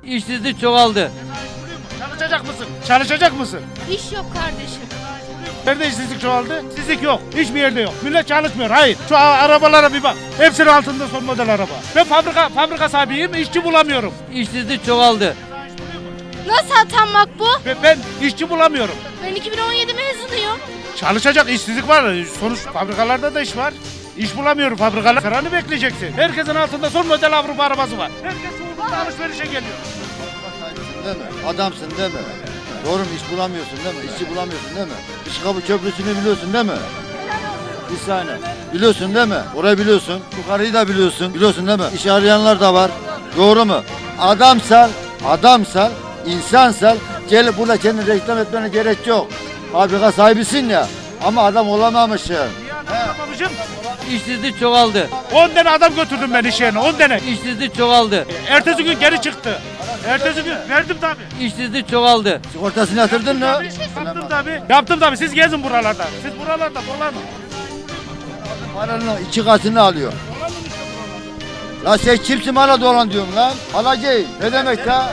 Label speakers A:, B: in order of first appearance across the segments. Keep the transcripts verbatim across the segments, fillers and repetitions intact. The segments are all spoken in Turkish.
A: İşsizlik çoğaldı.
B: Çalışacak mısın? Çalışacak mısın?
C: İş yok kardeşim.
B: Nerede işsizlik çoğaldı? İşsizlik yok. Hiçbir yerde yok. Millet çalışmıyor. Hayır. Şu a- arabalara bir bak. Hepsinin altında son model araba. Ben fabrika fabrika sahibiyim. İşçi bulamıyorum.
A: İşsizlik çoğaldı.
C: Nasıl atanmak bu?
B: Ben, ben işçi bulamıyorum.
C: Ben iki bin on yedi mezunuyum.
B: Çalışacak işsizlik var. Sonuç fabrikalarda da iş var. İş bulamıyorum fabrikalar. Sıranı bekleyeceksin. Herkesin altında son model Avrupa arabası var. Herkes uğurda alışverişe geliyor.
D: Değil mi? Adamsın değil mi? Doğru mu? İş bulamıyorsun değil mi? İşçi bulamıyorsun değil mi? İşkapı köprüsünü biliyorsun değil mi? Bir saniye. Biliyorsun değil mi? Orayı biliyorsun. Yukarıyı da biliyorsun. Biliyorsun değil mi? İş arayanlar da var. Doğru mu? Adamsal, adamsal, insansal gelip burada kendini reklam etmene gerek yok. Fabrika sahibisin ya. Ama adam olamamışsın.
B: Babacığım,
A: İşsizlik çoğaldı.
B: on tane adam götürdüm ben iş yerine. on tane.
A: İşsizlik çoğaldı.
B: Ertesi gün geri çıktı. Ertesi gün verdim tabii.
A: İşsizlik çoğaldı.
D: Sigortasını yatırdın mı?
B: Yaptım tabii. Yaptım tabii. Siz gezin buralarda. Siz buralarda dolanın.
D: Paranın iki katını alıyor. La sen kimsin bana dolan diyorum lan? Alacağım. Ne demek ya?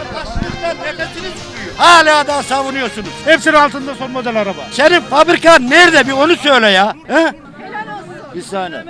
E: Hala da savunuyorsunuz.
B: Hepsinin altında son model araba.
E: Senin fabrikan nerede bir onu söyle ya. He?
D: Bir saniye.